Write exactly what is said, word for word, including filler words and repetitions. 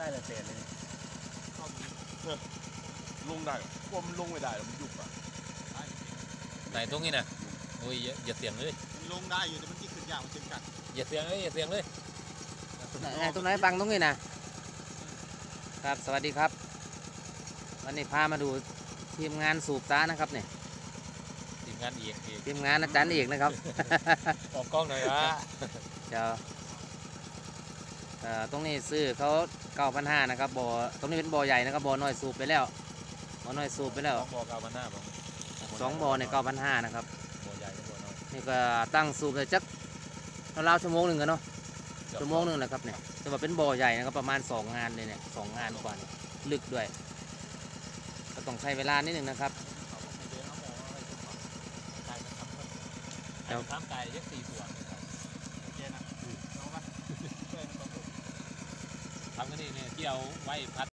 ละเศษเลยลงได้กลัวมันลงไม่ได้แล้วมันยุบอ่ะไหนตรงนี้นะโอ้ยอย่าอย่าเสียงเลยมันลงได้อยู่แต่มันกี่ขึ้นยากมันจึงกัดอย่าเสียงเลยอย่าเสียงเลยไหนตรงไหนฟังตรงนี้นะครับสวัสดีครับวันนี้พามาดูทีมงานสูบซ้านะครับเนี่ยทีมงานเอกเอกทีมงานอาจารย์เอกนะครับออกกล้องหน่อยวะเดี๋ยวเอ่อตรงนี้ซื้อเขาเก้าพันห้านะครับบ่อตรงนี้เป็นบ่อใหญ่นะครับบ่อน้อยสูบไปแล้วบ่อน้อยสูบไปแล้วสองบ่อเก้าพันห้าบ่สองบ่อเนี่ยเก้าพันห้านะครับบ่อใหญ่กับบ่อน้อยนี่ก็ตั้งสูบเลยจักราวๆชั่วโมงหนึ่งกันเนาะชั่วโมงหนึ่งแหละครับเนี่ยแต่ว่าเป็นบ่อใหญ่นะครับประมาณสองงานเลยเนี่ยสองงานกว่าเนี่ยลึกด้วยก็ต้องใช้เวลานิดหนึ่งนะครับเดี๋ยวทำไก่ยักษ์สี่ส่วนโอเคนะเอาปะช่วยมันต่อทำกันนี่เนี่ยที่เอาไว้พัด